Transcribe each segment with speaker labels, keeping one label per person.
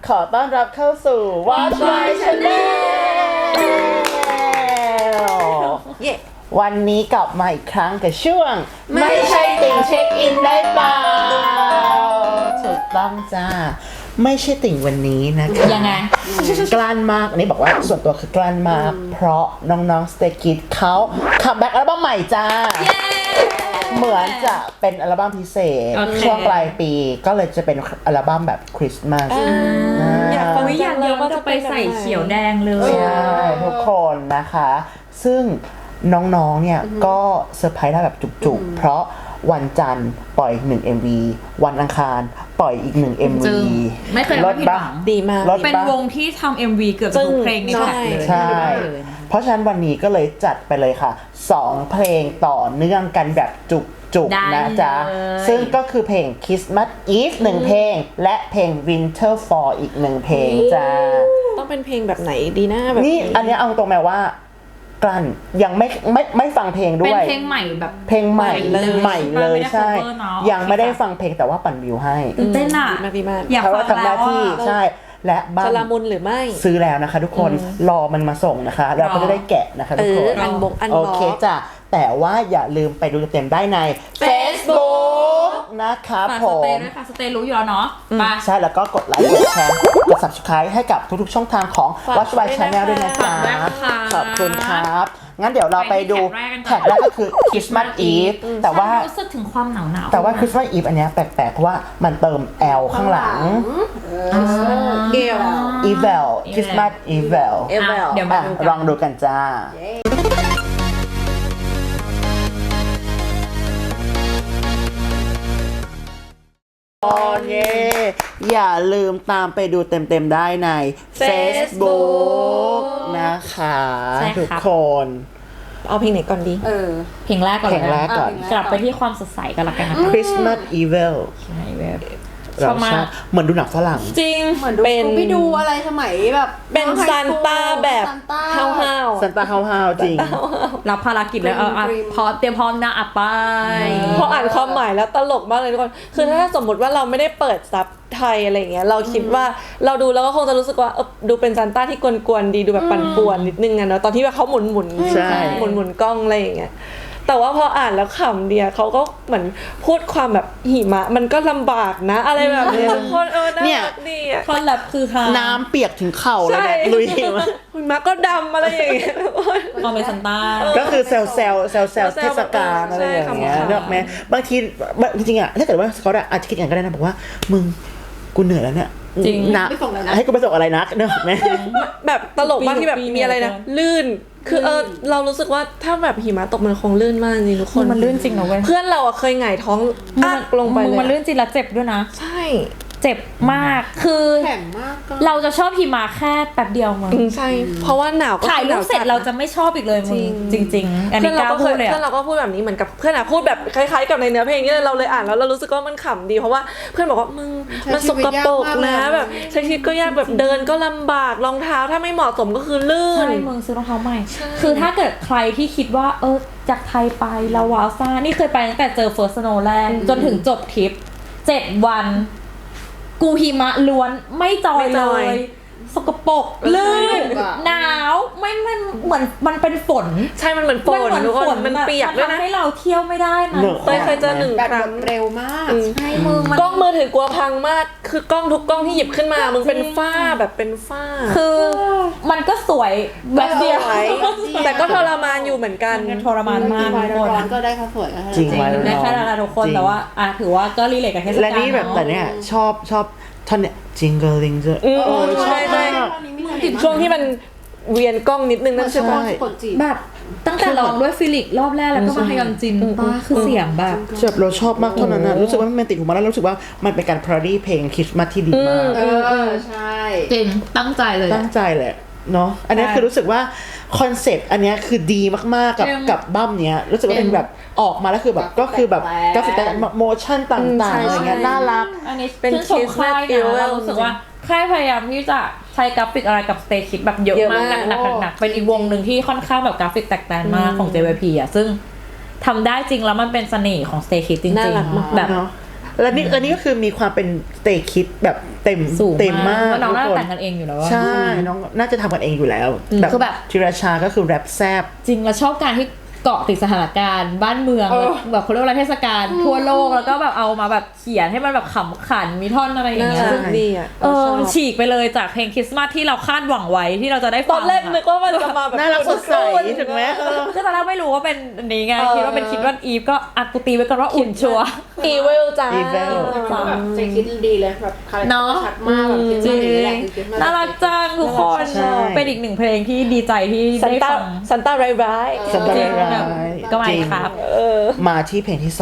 Speaker 1: ขอต้อนรับเข้าสู่ Watch My Channel วันนี้กลับมาอีกครั้งกับช่วงไม่ใช่ติ่งเช็คอินได้เปล่าถูกต้องจ้าไม่ใช่ติ่งวันนี้นะคะ
Speaker 2: ยังไง
Speaker 1: กลั้นมากอันนี้บอกว่าส่วนตัวคือกลั้นมากเพราะน้องๆ Stray Kids เขาคัมแบ็กอัลบั้มใหม่จ้าเหมือนจะเป็นอัลบั้มพิเศษช่วงปลายปีก็เลยจะเป็นอัลบั้มแบบคริสต์มาส
Speaker 2: อยากฟังอย่างเดียวว่าจะไปใส่เขียวแดงเลย
Speaker 1: ใช่ทุกคนนะคะซึ่งน้องๆเนี่ยก็เซอร์ไพรส์ได้แบบจุกๆเพราะวันจันทร์ปล่อย1 MV วันอังคารปล่อยอีก1 MV
Speaker 2: ไม่เคยผิดหวัง
Speaker 3: ดีมาก
Speaker 2: เป็นวงที่ทำ MV เกือบทุกเพลงในแท็กเลย
Speaker 1: ใช่เพราะฉะนั้นวันนี้ก็เลยจัดไปเลยค่ะ2เพลงต่อเนื่องกันแบบจุกๆนะจ๊ะซึ่งก็คือเพลง Christmas Eve 1 เพลงและเพลง Winter Fall อีก1 เพลงจ้า
Speaker 3: ต้องเป็นเพลงแบบไหนดีนะแบบ
Speaker 1: นี่อันนี้เอาตรงแม้ว่ากลั้นยังไม่ฟังเพลงด้วย
Speaker 2: เป็นเพลงใหม่แบบ
Speaker 1: เพลงใหม่เลยใช่ยังไม่ได้ฟังเพลงแต่ว่าปั่นวิวให้
Speaker 2: เต้นอ่ะ
Speaker 3: อย
Speaker 1: ากฟังแล้วที่ใช่และบ้าน
Speaker 3: จะละมุนหรือไม่
Speaker 1: ซื้อแล้วนะคะทุกคนรอมันมาส่งนะคะเราก็จะได้แกะนะคะทุกคน
Speaker 3: อัน
Speaker 1: โอเคจ้ะแต่ว่าอย่าลืมไปดูเต็มได้ใน Facebook นะคะผม
Speaker 2: สเตย์รู้อยู่แล้วเนาะ
Speaker 1: ใช่แล้วก็กดไลค์กดแชร์กด Subscribe ให้กับทุกๆช่องทางของ Watch My Channel ด้วยนะคะขอบคุณครับงั้นเดี๋ยวเราไปดูแท็กแรกก็คือ Christmas Eve แต่ว่า
Speaker 2: รู้สึกถึงความหนาว
Speaker 1: แต่ว่า Christmas Eve อันเนี้ยแปลกๆเพราะว่ามันเติม L ข้างหลังEvil Christmas Evil
Speaker 2: เดี๋ยวมา
Speaker 1: ลองดูกันจ้าอย่าลืมตามไปดูเต็มๆได้ใน Facebook นะคะทุกคน
Speaker 3: เอาเพลงไหนก่อนดี
Speaker 2: เพลงแรกก่อนกลับไปที่ความสดใสกันละกันนะ
Speaker 1: Christmas Evil
Speaker 2: ใช่แบบ
Speaker 1: เราชอบเหมือนดูหนังฝรั่ง
Speaker 2: จริง
Speaker 4: เหมือนเป็นไปดูอะไรสมัยแบบ
Speaker 3: เป็นซานต้าแบบห้าว
Speaker 1: ซานต้าห้าวจริง
Speaker 2: รับภารกิจแล้วพอเตรียมพร้อมนะไป
Speaker 3: พออ่านความหมายแล้วตลกมากเลยทุกคนคือถ้าสมมติว่าเราไม่ได้เปิดซับไทยอะไรเงี้ยเราคิดว่าเราดูแล้วก็คงจะรู้สึกว่าดูเป็นซานต้าที่กวนๆดีดูแบบปั่นป่วนนิดนึงอะเนาะตอนที่แบบเขาหมุนกล้องอะไรอย่างเงี้ยแต่ว่าพออ่านแล้วขำเดียเขาก็เหมือนพูดความแบบหิมะมันก็ลำบากนะอะไรแบบนี้ทุกคนน่ารักดีอ่ะ
Speaker 2: คอนแลบคือค่ะ
Speaker 1: น้ำเปียกถึงเข่าเลยแบบลุยหิมะ
Speaker 3: หิมะก็ดำอะไรอย่างเงี้ย
Speaker 2: พอเป็นซันต้า
Speaker 1: ก็คือเซลเทศกาลอะไรอย่างเงี้ยเลือกไหมบางทีจริงๆอะถ้าเกิดว่าเขาอาจจะคิดอย่างก็ได้นะบอกว่ามึงกูเหนื่อยแล้วเนี่ย
Speaker 2: จริง
Speaker 1: นะให้กูไปส่งอะไรนะเนอะไหม
Speaker 3: แบบตลกมากที่แบบมีอะไรนะลื่นคือเรารู้สึกว่าถ้าแบบหิมะตกมันคงลื่นมากจริงทุกคน
Speaker 2: มันลื่นจริงนะเว้ย
Speaker 3: เพื่อนเราเคยหงายท้องอักลงไปเลย
Speaker 2: มันลื่นจริงแล้วเจ็บด้วยนะ
Speaker 3: ใช่
Speaker 2: เจ็บมากคือ
Speaker 4: แข็งมาก
Speaker 2: เราจะชอบหิมะแค่แป๊บเดียวมั้ง
Speaker 3: ใช่เพราะว่าหนาวก็
Speaker 2: ถ่ายรูปเสร็จเราจะไม่ชอบอีกเลยมึงจริงๆอันนี้ก้าวพูดเลย
Speaker 3: เพื่อนเราก็พูดแบบนี้เหมือนกับเพื่อนพูดแบบคล้ายๆกับในเนื้อเพลงนี้เราเลยอ่านแล้วเรารู้สึกว่ามันขำดีเพราะว่าเพื่อนบอกว่ามึงมันสกปรกนะแบบใช้ชีวิตก็ยากแบบเดินก็ลำบากรองเท้าถ้าไม่เหมาะสมก็คือลื่น
Speaker 2: ใช่มึงซื้อรองเท้าใหม่คือถ้าเกิดใครที่คิดว่าจากไทยไปเราว้าวซ่านี่เคยไปตั้งแต่เจอ First Snow แรกจนถึงจบทริป7 วันกูหิมะล้วนไม่จอยเลยสกปรกลื่นหนาวไม่มันเหมือนมันเป็นฝน
Speaker 3: ใช่มันเหมือนฝนทุกคนมันเปียกด้วยนะ
Speaker 2: ทำให้เราเที่ยวไม่ได้นะ
Speaker 3: เคยเจอ1 ครั้ง
Speaker 4: เร็วมาก
Speaker 2: ใช่มึง
Speaker 3: กล้องมือถือกลัวพังมากคือกล้องทุกกล้องที่หยิบขึ้นมามึงเป็นฝ้าแบบเป็นฝ้า
Speaker 2: คือมันก็สวยแบบเดียว
Speaker 3: แต่ก็ทรมานอยู่เหมือนกัน
Speaker 2: ทรมานมาก
Speaker 4: ทุกคนก็ได้ค่ะสวย
Speaker 1: จริง
Speaker 2: ได้แค่นั้นทุกคนแต่ว่าถือว่าก็รีเลทกับเทศกาล
Speaker 1: และนี่แบบแต่เนี้ยชอบท่อนเนี้ยจิงเกิลลิงเจอ
Speaker 3: ใช่ช่วงที่มันเวียนกล้องนิดนึงนั่นใช่ไหม
Speaker 2: แบบตั้งแต่ลองด้วยฟิลิกรอบแรกแล้วก็มาฮยอนจินป้าคือเสียงแบบ
Speaker 1: เราชอบมากเท่านั้นนะรู้สึกว่ามันติดหูมาแล้วรู้สึกว่ามันเป็นการพาราดี้เพลงคริสต์มาสที่ดีมาก
Speaker 4: ใช่
Speaker 2: จริงตั้งใจเลย
Speaker 1: เนาะอันนี้คือรู้สึกว่าคอนเซปต์อันนี้คือดีมากๆกับบั้มเนี้ยรู้สึกว่าเป็นแบบออกมาแล้วคือแบบก็คือแบบกราฟิกแต่โมชั่นต่างๆอะไรเงี้ยน่ารัก
Speaker 2: อันนี้เป็นคริสต์มาสเรารู้สึกว่าค่ายพยายามที่จะใช้กราฟิกอะไรกับ Stray Kids แบบเยอะมากหนักเป็นอีกวงหนึ่งที่ค่อนข้างแบบกราฟิกแตกต่างมากของ JYP อ่ะซึ่งทำได้จริงแล้วมันเป็นเสน่ห์ของ Stray Kids จริงๆแบบ
Speaker 1: แล้วนี่อันนี้ก็คือมีความเป็นสเตคิดแบบเต็ม
Speaker 2: สูง
Speaker 1: เต็มมาก
Speaker 2: น้องน่า
Speaker 1: ทุ
Speaker 2: จะ
Speaker 1: กค
Speaker 2: แต่งกันเองอยู่แล้วอะ
Speaker 1: ใช่น้องน่าจะทำกันเองอยู่แล้ว
Speaker 2: คือแบบ
Speaker 1: ธีรชาก็คือแรปแซบ
Speaker 2: จริงเราชอบการที่เกาะติดสถานการณ์บ้านเมืองแบบเขาเรียกว่าอะไรเทศกาลทั่วโลกแล้วก็แบบเอามาแบบเขียนให้มันแบบขำขันมีท่อนอะไรอย่าง
Speaker 3: น่า
Speaker 2: เงี้ย
Speaker 3: รักดีอ่ะ
Speaker 2: มันฉีกไปเลยจากเพลงคริสต์มาสที่เราคาดหวังไว้ที่เราจะได้
Speaker 3: ต
Speaker 2: ฟั
Speaker 3: อง นแรกนึกว่ามันจะมาแบบ
Speaker 1: น่ารักสดใสถึงไหม
Speaker 2: คือตอนแรกไม่รู้ว่าเป็นอันนี้ไงคิดว่าเป็นคิดว่าอีฟก็อักูตีไว้ก่อนว่าอุ่นชัวร์
Speaker 3: อีเวลจ้า
Speaker 1: Evil
Speaker 4: แบบใจคิดดีเลยแบบคาแรคเตอ
Speaker 2: เนาะ
Speaker 4: ร์ชัดมากแบบคิด
Speaker 2: จริ
Speaker 4: ว่าง อย่างนี้แหละคือคิดว่
Speaker 2: น่ารักจังทุกคน
Speaker 1: ใช่
Speaker 2: เป็นอีกหนึ่งเพลงที่ดีใจที่
Speaker 3: ซัน
Speaker 2: ได้
Speaker 3: ต้า
Speaker 2: ฟัง
Speaker 3: ซันต้าร้าย
Speaker 1: สันตา
Speaker 2: จริง
Speaker 1: ร้า
Speaker 2: แบบ
Speaker 1: ย
Speaker 2: ก็ไม่
Speaker 1: จริง
Speaker 2: ครับ
Speaker 1: มาที่เพลงที่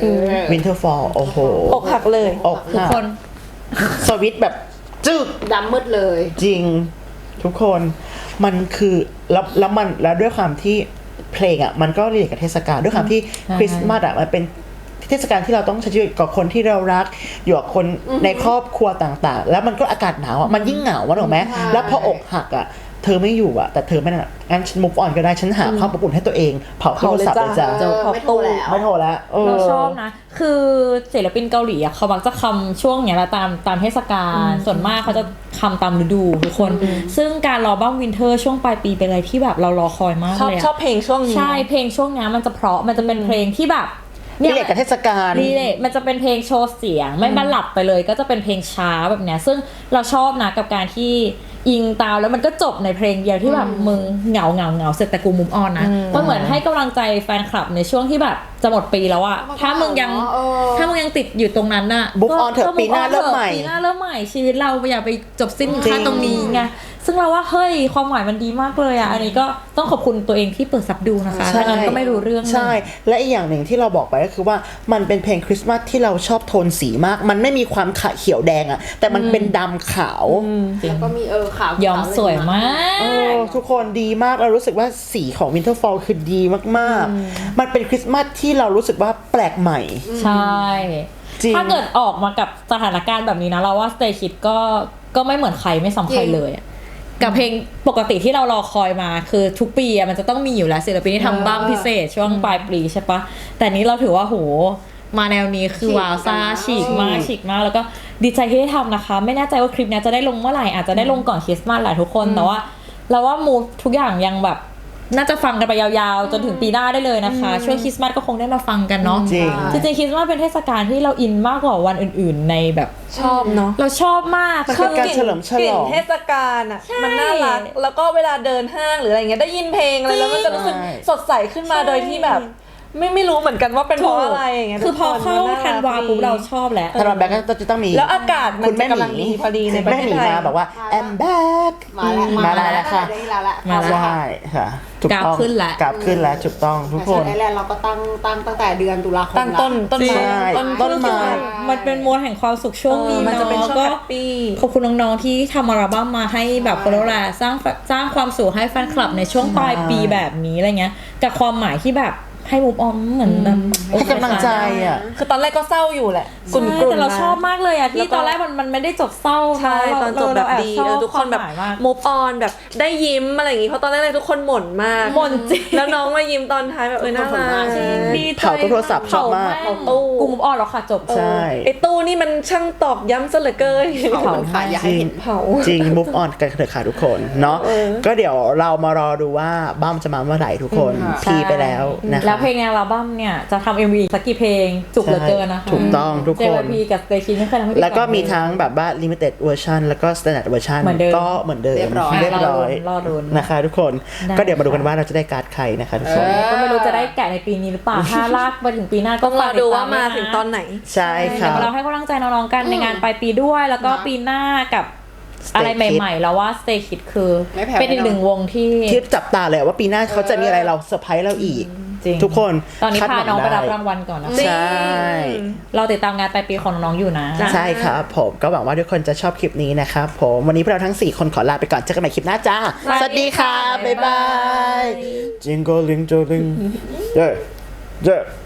Speaker 1: 2 Winterfall โอ้โห
Speaker 3: ๆอกหักเลย
Speaker 1: อก
Speaker 2: ทุก
Speaker 1: หัก
Speaker 2: คน
Speaker 1: สวิตช์แบบจึก
Speaker 4: ดำมืดเลย
Speaker 1: จริงทุกคนมันคือแล้วมันแล้วด้วยความที่เพลงอ่ะมันก็เรียกกับเทศกาลด้วยความที่คริสต์มาสอ่ะมันเป็นเทศกาลที่เราต้องใช้ชีวิตกับคนที่เรารักอยู่กับคนในครอบครัวต่างๆ แล้วมันก็อากาศหนาวอ่ะมันยิ่งเหงาถูกไหมแล้วพออกหักอ่ะเธอไม่อยู่อ่ะแต่เธอไม่น่ะงั้นฉัน move on ก็ได้ฉันหาความอบอุ่นให้ตัวเองเผาโทรศัพท์เลยจ้า
Speaker 3: เผาเลยจ้ะ
Speaker 4: ไม่โทรแล้ว
Speaker 1: ไม่โทรแล้ว
Speaker 2: เราชอบนะ คือศิลปินเกาหลีอะเขามักจะคำช่วงเนี้ยแหละตามเทศกาลส่วนมากเขาจะคำตามฤดูทุกคน ซึ่งการรอบ้างวินเทอร์ช่วงปลายปีเป็นอะไรที่แบบเรารอคอยมาก
Speaker 3: ชอบ
Speaker 2: เลยอะ
Speaker 3: ชอบเพลงช่วงนี้
Speaker 2: ใช่เพลงช่วงเนี้ยมันจะเพราะมันจะเป็นเพลงที่แบบ
Speaker 1: นี่เรียกกับเทศกาล
Speaker 2: รีเลทมันจะเป็นเพลงโชว์เสียงไม่บันหลับไปเลยก็จะเป็นเพลงช้าแบบเนี้ยซึ่งเราชอบนะกับการที่อิงตามแล้วมันก็จบในเพลงเดียวที่แบบมึงเหงาเสร็จแต่กูมุมออนนะมันเหมือนให้กำลังใจแฟนคลับในช่วงที่แบบจะหมดปีแล้วอะถ้ามึงยังติดอยู่ตรงนั้นน่ะ
Speaker 1: Move on เถอะ
Speaker 2: ก็
Speaker 1: ปีหน้า
Speaker 2: move on
Speaker 1: เริ่มใหม่
Speaker 2: ปีหน้าเริ่มใหม่ชีวิตเราอย่าไปจบสิ้น
Speaker 1: จริง
Speaker 2: แค่ตรงนี้ไงซึ่งเราว่าเฮ้ยความหมายมันดีมากเลยอะอันนี้ก็ต้องขอบคุณตัวเองที่เปิดซับดูนะคะถ้างั้นก็ไม่รู้เรื่อง
Speaker 1: ใช่ และอีกอย่างหนึ่งที่เราบอกไปก็คือว่ามันเป็นเพลงคริสต์มาสที่เราชอบโทนสีมาก มันไม่มีความขะเขียวแดงอะแต่มันเป็นดำขาว
Speaker 4: แล้วก็มีขาว
Speaker 2: ย้อมสวยมาก
Speaker 1: ทุกคนดีมากเรารู้สึกว่าสีของ Winterfall คือดีมากๆ มันเป็นคริสต์มาสที่เรารู้สึกว่าแปลกใหม่
Speaker 2: ใช่
Speaker 1: จริง
Speaker 2: ถ้าเกิดออกมากับสถานการณ์แบบนี้นะเราว่า Stay Kids ก็ไม่เหมือนใครไม่ซ้ำใครเลยอะกับเพลงปกติที่เรารอคอยมาคือทุกปีอะมันจะต้องมีอยู่แล้วศิลปินที่ทำบ้างพิเศษช่วงปลายปีใช่ปะแต่นี้เราถือว่าโหมาแนวนี้คือว้าวซ่าฉีกมากแล้วก็ดีใจที่ได้ทำนะคะ ไม่แน่ใจว่าคลิปนี้จะได้ลงเมื่อไหร่อาจจะได้ลงก่อนคริสต์มาสแหละทุกคนแต่ว่าเราว่ามูดทุกอย่างยังแบบน่าจะฟังกันไปยาวๆจนถึงปีหน้าได้เลยนะคะช่วงคริสต์มาสก็คงได้มาฟังกันเนาะ
Speaker 1: จริง
Speaker 2: จริงๆคริสต์มาสเป็นเทศกาลที่เราอินมากกว่าวันอื่นๆในแบบ
Speaker 3: ชอบเนาะ
Speaker 2: เราชอบมาก
Speaker 1: มันเป็นการเฉลิมฉลอง
Speaker 3: กลิ่นเทศกาลอ่ะมันน่ารักแล้วก็เวลาเดินห้างหรืออะไรเงี้ยได้ยินเพลงอะไรแล้วมันจะรู้สึกสดใสขึ้นมาโดยที่แบบ ไม่รู้เหมือนกันว่าเป็นเพราะอะไรอย่างเงี้ย
Speaker 2: คือพอเข้าธันวาปุ๊บเราชอบแล้ว
Speaker 1: ธันวาแบ็กก็จะต้องมี
Speaker 3: แล้วอากาศมัน
Speaker 1: คุณแม่
Speaker 3: จะกำลัง
Speaker 1: หมี
Speaker 3: ดีพอดีในประ
Speaker 1: แม่
Speaker 3: เท
Speaker 1: ห
Speaker 3: ศ
Speaker 1: มี
Speaker 3: ไทย
Speaker 1: มาบอกว่า I'm back
Speaker 4: มาแล้ว
Speaker 1: แล้วค่ะ
Speaker 4: ได้แล้วแหละ
Speaker 2: มาแล้ว
Speaker 1: ใช่ค่ะถูกต้อง
Speaker 2: กราฟขึ้นแล้ว
Speaker 1: กราฟขึ้นแล้วถูกต้องทุก
Speaker 4: แต่
Speaker 1: ค
Speaker 4: ส่วน
Speaker 1: น
Speaker 4: ไอแลนด์เราก็ตั้งแต่เดือนตุลาคม
Speaker 3: ตั้งต้น
Speaker 1: ใช่ ต้นไม้
Speaker 2: มันเป็นมวลแห่งความสุขช่วงนี้
Speaker 3: มันจะเป็นช่วง
Speaker 2: ก็
Speaker 3: แฮปปี้
Speaker 2: ขอบคุณน้องๆที่ทำอัลบั้มมาให้แบบคนละสร้างความสุขให้แฟนคลับในช่วงปลายปีแบบนี้อะไรเงี้ยกับความหมายที่แบบให้มุมออมเหมือนแบบ
Speaker 1: ให้กำลังใจอ่ะ
Speaker 3: คือตอนแรกก็เศร้าอยู่แหละ
Speaker 2: ใช่แต่เราชอบมากเลยอะ
Speaker 3: แล้
Speaker 2: ที่
Speaker 3: วก็
Speaker 2: ตอนแรกมันไม่ได้จบเศร้า
Speaker 3: ใช่ตอนจบแบบดี
Speaker 2: เรา
Speaker 3: ทุกคนแบบ
Speaker 2: วามหมายมาก
Speaker 3: move on แบบได้ยิ้มอะไรอย่างงี้เพราะตอนแรกๆทุกคนหม่นมาก
Speaker 2: หม่นจริง
Speaker 3: แล้วน้องมายิ้มตอนท้ายแบบน่ารัก
Speaker 2: ดีใจ
Speaker 1: เผาโทรศัพท์ชอบมาก
Speaker 2: เผตู้กูมุมออนแล้วค่ะจบ
Speaker 1: ใช่
Speaker 3: ไอ้ตู้นี่มันช่างตอกย้ำซะเหลือเกิน
Speaker 4: เผาค่ะอย่าให้เห็น
Speaker 3: เผา
Speaker 1: จริง move on กันเถอะค่ะทุกคนเนาะก็เดี๋ยวเรามารอดูว่าบ้ามจะมาเมื่อไหร่ทุกคนทีไปแล้วนะคะ
Speaker 2: แล้วเพลงในอัลบั้มเนี่ยจะทำ MV สักกี่เพลงจุกเหลือเกินนะคะ
Speaker 1: ถูกต้องทุกคน
Speaker 2: JYP กับ Stay Kids ไม่เคยทำให้ผิดหง
Speaker 1: แล้วก็มีทั้งแบบว่า limited version แล้วก็ standard version
Speaker 2: เหมือนเดิม
Speaker 1: ก็เหมือนเดิม
Speaker 4: เรียบร้อย
Speaker 1: เรียบร้อย
Speaker 2: รอลุ้น
Speaker 1: นะคะทุกคน
Speaker 2: ได้
Speaker 1: ก็เดี๋ยวมาดูกันว่าเราจะได้การ์ดใครนะคะทุกคน
Speaker 2: ก็ไม่รู้จะได้แกะในปีนี้หรือเปล่า ถ้าลากไปถึงปีหน้าก็
Speaker 3: ต้องรอดูว่ามาถึงตอนไหน
Speaker 1: ใช่ค
Speaker 2: เดี๋
Speaker 1: รั
Speaker 2: ยว
Speaker 1: บ
Speaker 2: เราให้กำลังใจน้องๆกันในงานปลายปีด้วย แล้วก็ปีหน้ากับ
Speaker 1: Stay
Speaker 2: อะไร
Speaker 1: Kids
Speaker 2: ใหม่ๆ แล้วว่า Stay Kids คือ
Speaker 4: ไม่แพ้
Speaker 2: เป็นอีกหนึ่งวงที่
Speaker 1: ที่จับตาเลยว่าปีหน้าเขาจะมีอะไรเราเซอร์ไพรส์เราอีก
Speaker 2: จริง
Speaker 1: ทุกคน
Speaker 2: ตอนนี้
Speaker 1: คด
Speaker 2: พา
Speaker 1: หวั
Speaker 2: น้องไปรับ
Speaker 1: ด้
Speaker 2: รางวัลก่อนนะ
Speaker 1: ใช่
Speaker 2: เราติดตามงานปลายปีของน้องๆอยู่นะ
Speaker 1: ใช่ครับผมก็หวังว่าทุกคนจะชอบคลิปนี้นะครับผมวันนี้พวกเราทั้ง 4 คนขอลาไปก่อนเจอกันใหม่คลิปหน้าจ้า สวัสดีค่ะ บ๊ายบาย Jingle Jingle Jingle เย้